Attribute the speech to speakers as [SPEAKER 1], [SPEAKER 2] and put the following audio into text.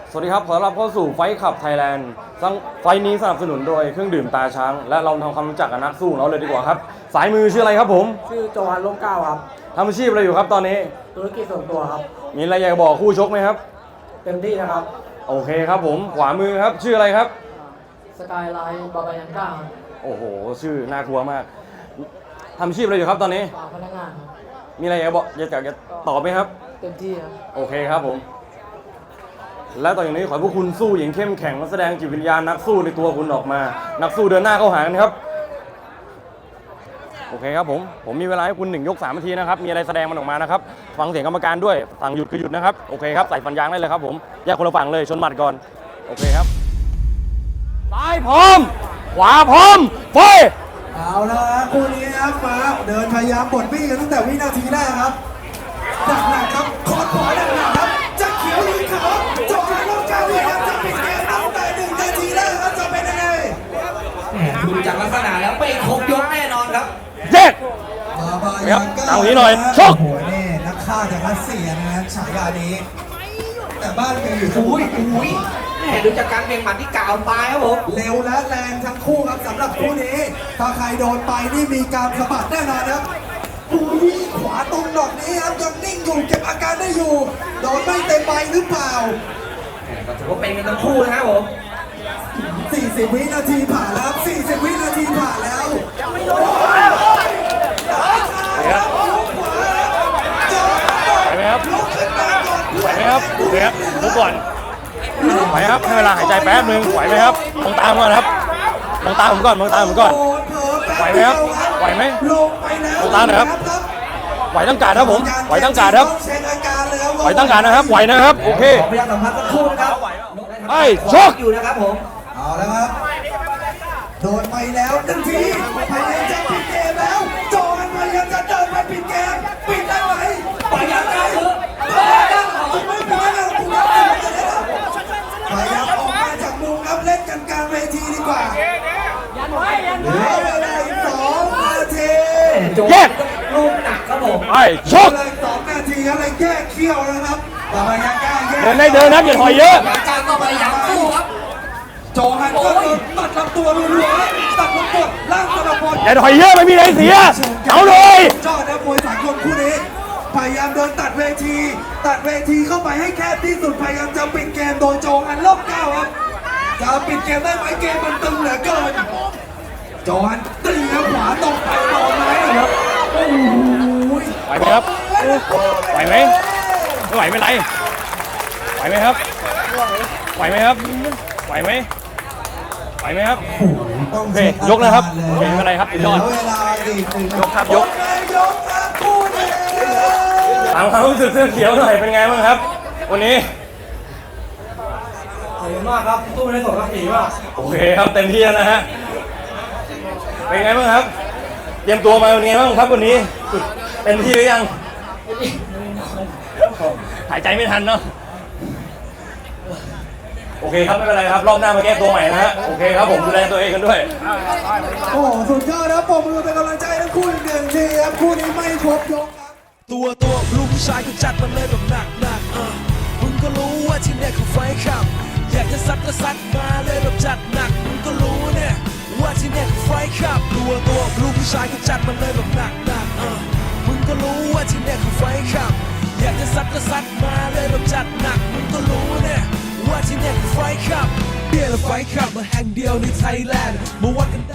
[SPEAKER 1] สวัสดีครับขอต้อนรับเข้าสู่ไฟขับไทยแลนด์ไฟนี้สนับสนุนโดยเครื่องดื่มตาช้างและเราทำความรู้จักกับนักสู้เราเลยดีกว่าครับสายมือชื่ออะไรครับผม
[SPEAKER 2] ชื่อโจฮันร่มเกล้าครับ
[SPEAKER 1] ทำอาชีพอะไรอยู่ครับตอนนี้
[SPEAKER 2] ธุรกิจส่วนตัวครับ
[SPEAKER 1] มีอะไรอยากบอกคู่ชกไหมครับ
[SPEAKER 2] เต็มที่นะครับ
[SPEAKER 1] โอเคครับผมขวามือครับชื่ออะไรครับ
[SPEAKER 2] สกายไลน์บาบายันก้า
[SPEAKER 1] โอ้โหชื่อน่ากลัวมากทำอาชีพอะไรอยู่ครับตอนนี้
[SPEAKER 2] พนักงาน
[SPEAKER 1] มีอะไรอยากบอกอยากจะตอบไหมครับ
[SPEAKER 2] เต็มที่ครับ
[SPEAKER 1] โอเคครับผมและต่อจากนี้ขอให้พวกคุณสู้อย่างเข้มแข็งและแสดงจิตวิญญาณนักสู้ในตัวคุณออกมานักสู้เดินหน้าเข้าหากันครับโอเคครับผมมีเวลาให้คุณ1 ยก 3 นาทีนะครับมีอะไรแสดงมันออกมานะครับฟังเสียงกรรมการด้วยสั่งหยุดคือหยุดนะครับโอเคครับใส่ฟันยางได้เลยครับผมแยกคนละฝั่งเลยชนหมัดก่อนโอเคครับซ้ายพร้อมขวาพร้อมไฟ
[SPEAKER 3] เอาละคู่นี้ครับมาเดินพยายามบดบี้กันตั้งแต่วินาทีแรกครับหนักครับคอร์ดขวาหนักครับจะเขียวหรือขาวจบการลงการเรียนจะปิดเกมตั้งแต่1 นาทีแรกครับจะเป็นยังไง
[SPEAKER 4] ดูจากลักษณะแล้วไม่ครบยกแน่นอนครับ
[SPEAKER 1] เจ๊
[SPEAKER 3] ครับ
[SPEAKER 1] เอาทีหน่อยชก
[SPEAKER 3] โอ้โหนี่นักฆ่าจากรัสเซียนะครับฉายานี้แต่บ้านมีอยู่
[SPEAKER 4] อุ้ยดูจากการเบี่ยงหมัดที่กล่าวตายครับผม
[SPEAKER 3] เร็วและแรงทั้งคู่ครับสำหรับคู่นี้ถ้าใครโดนไปนี่มีการสะบัดแน่นอนครับขวาตรงดอกนี้ครับยังนิ่งอยู่เก็บอาการได้อยู่โดนไม่เต็มใบหรือเปล่า
[SPEAKER 4] ก็ถือว่าเป็นกันทั้งคู่นะครับผม
[SPEAKER 3] 40 วินาทีผ่านแล้ว40 วินาทีผ่านแล้ว
[SPEAKER 1] ไหวไหมครับไหวไหมครับดูครับดูก่อนไหวครับให้เวลาหายใจแป๊บนึงไหวไหมครับมองตามก่อนครับมองตาผมก่อนไหวไหมครับไหวไหมมองตาหน่อยครับไหวตั้งการครับผมไหวตั้งการครับไหวตั้งการนะครับไหวนะครับโอเค
[SPEAKER 4] พยายามสัมผัสทั้งคู่นะครับ
[SPEAKER 1] ไอ้ชก
[SPEAKER 4] อยู่นะครับผม
[SPEAKER 3] เอาแล้วครับโดนไปแล้วทันทีพยายามจะปิดเกมแล้วโจมันพยายามจะเดินไปปิดเกมปิดได้ไหม
[SPEAKER 4] พยายามได้คือ
[SPEAKER 3] ไม่ปิดแล้วพยายามออกมาจากมุมครับเล่นกันกลางเวทีดีกว่าเหลือเวลาอีก2 นาที
[SPEAKER 1] แยก
[SPEAKER 4] ลูกหนักครับผม
[SPEAKER 1] ไอ้ชก
[SPEAKER 3] เลย2 นาทีครับเลยแก้เขี้ยวนะครับแต่พยายามแก้
[SPEAKER 1] เดินได้เดินนะอย่าถอยเยอะ
[SPEAKER 4] การก็พยายามสู้ครับ
[SPEAKER 3] โจฮันก็ตัดลำตัวรัวๆตัดลำตัวล่างสะบัด
[SPEAKER 1] อย่าถอยเยอะไม่มีอะไรเสียเอาเลย
[SPEAKER 3] จอดนะมวยสากลคู่นี้พยายามเดินตัดเวทีเข้าไปให้แคบที่สุดพยายามจะปิดเกมโดยโจฮันร่มเกล้าครับจะปิดเกมได้ไหมเกมมันตึงเหลือเกินโจฮันตีแล้วขวาตรงไปโดนไหมครับโอ้ย
[SPEAKER 1] ไหวไหมครับไหวไหมไม่ไหวไม่ไรไหวไหมครับไหวไหมครับไหวไหมไหวไหมครับโอเคยกนะครับโอเคไม่เป็นไรครับยอดยกครับยกถามความรู้สึกเสื้อเขียวหน่อยเป็นไงบ้างครับวันนี้
[SPEAKER 4] ขอบคุณมากครับตู้ไม่ได้ส่งกระสีมาก
[SPEAKER 1] โอเคครับเต็มที่แล้วนะฮะเป็นไงบ้างครับเตรียมตัวมาเป็นไงบ้างครับวันนี้เต็มที่หรือยังหายใจไม่ทันเนาะโอเคครับไม่เป็นไรครับรอบหน้ามาแก้ตัวใหม่นะฮะโอเคครับผมดูแลตัวเองกันด้วย
[SPEAKER 3] โอ้สุดยอดนะปมมือเป็นกำลังใจทั้งคู่อีก1 ทีครับคู่นี้ไม่ครบยกครับ
[SPEAKER 5] ตัวลูกผู้ชายก็จัดมันเลยแบบหนักมึงก็รู้ว่าที่เนี่ยคือไฟขับอยากจะซัดก็ซัดมาเลยแบบจัดหนักมึงก็รู้เนี่ยว่าที่เนี่ยคือไฟขับตัวลูกผู้ชายก็จัดมันเลยแบบหนักมึงก็รู้ว่าที่เนี่ยคือไฟขับอยากจะซัดก็ซัดมาเลยแบบจัดหนักมึงก็รู้เนี่ยว่าที่เนี่ยคือไฟขับเดียวไฟขับมาแห่งเดียวในไทยแลนด์มาวัดกัน